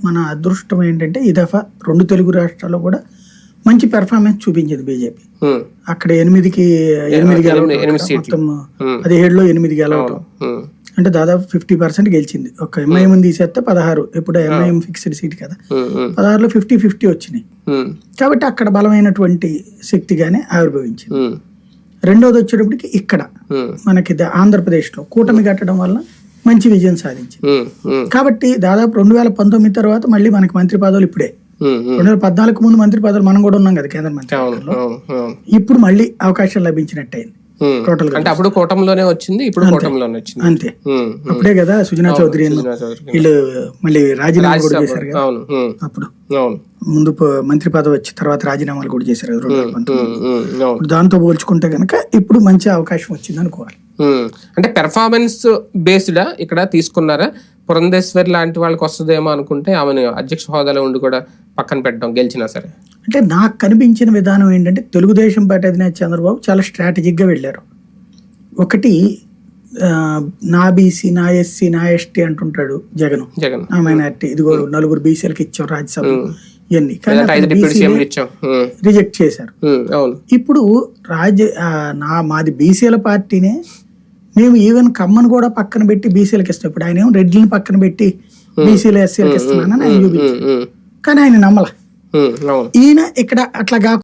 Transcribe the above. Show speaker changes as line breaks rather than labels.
మన అదృష్టం ఏంటంటే ఈ దఫా 2 తెలుగు రాష్ట్రాల్లో కూడా మంచి పెర్ఫార్మెన్స్ చూపించింది బీజేపీ. అక్కడ 8 గెలవటం, మొత్తం 17లో 8 గెలవటం అంటే దాదాపు 50% గెలిచింది. ఒక ఎంఐఎం తీసేస్తే 16, ఇప్పుడు ఎంఐఎం ఫిక్స్డ్ సీట్ కదా, 16లో 50-50 వచ్చినాయి. కాబట్టి అక్కడ బలమైనటువంటి శక్తిగానే ఆవిర్భవించింది. రెండోది వచ్చేటప్పటికి ఇక్కడ మనకి ఆంధ్రప్రదేశ్లో కూటమి కట్టడం వల్ల మంచి విజయం సాధించింది. కాబట్టి దాదాపు 2019 తర్వాత మళ్ళీ మనకి మంత్రి పదవులు ఇప్పుడే, 2014 ముందు మంత్రి పదవులు మనం కూడా ఉన్నాం కదా కేంద్ర మంత్రి పదవుల్లో, ఇప్పుడు మళ్ళీ అవకాశం లభించినట్టయింది. టోటల్
అంటే అప్పుడు కూటమిలోనే వచ్చింది, ఇప్పుడు కూటమిలోనే వచ్చింది
అంతే. అప్పుడే కదా సుజనా చౌదరి వీళ్ళు మళ్ళీ రాజీనామా కూడా చేశారు కదా, అప్పుడు ముందు మంత్రి పదవి వచ్చి తర్వాత రాజీనామాలు కూడా చేశారు కదా 2019. దాంతో పోల్చుకుంటే కనుక ఇప్పుడు మంచి అవకాశం వచ్చింది అనుకోవాలి.
అంటే పెర్ఫార్మెన్స్ బేస్డ్ ఇక్కడ తీసుకున్నారా? పురంధేశ్వరి లాంటి వాళ్ళకి వస్తుందేమో అనుకుంటే ఆమెను అధ్యక్ష హోదాలో ఉండి కూడా పక్కన పెట్టడం గెలిచినా సరే.
అంటే నాకు కనిపించిన విధానం ఏంటంటే తెలుగుదేశం పార్టీ అధినేత చంద్రబాబు చాలా స్ట్రాటజిక్గా వెళ్ళారు. ఒకటి నా బీసీ, నా ఎస్సీ, నా ఎస్టీ అంటుంటాడు జగన్, నా మైనారిటీ, ఇదిగో 4 బీసీలకు ఇచ్చాం రాజ్యసభ ఇవన్నీ, రిజెక్ట్ చేశారు. ఇప్పుడు మాది బీసీల పార్టీనే, మేము ఈవెన్ కమ్మను కూడా పక్కన పెట్టి బీసీలకు ఇస్తాం. ఇప్పుడు ఆయన ఏమో రెడ్డిని పక్కన పెట్టి బీసీలు ఎస్సీలకు ఇస్తున్నానని ఆయన చూపించారు, కానీ ఆయన నమ్మల. ఈయన ఇక్కడ అట్లా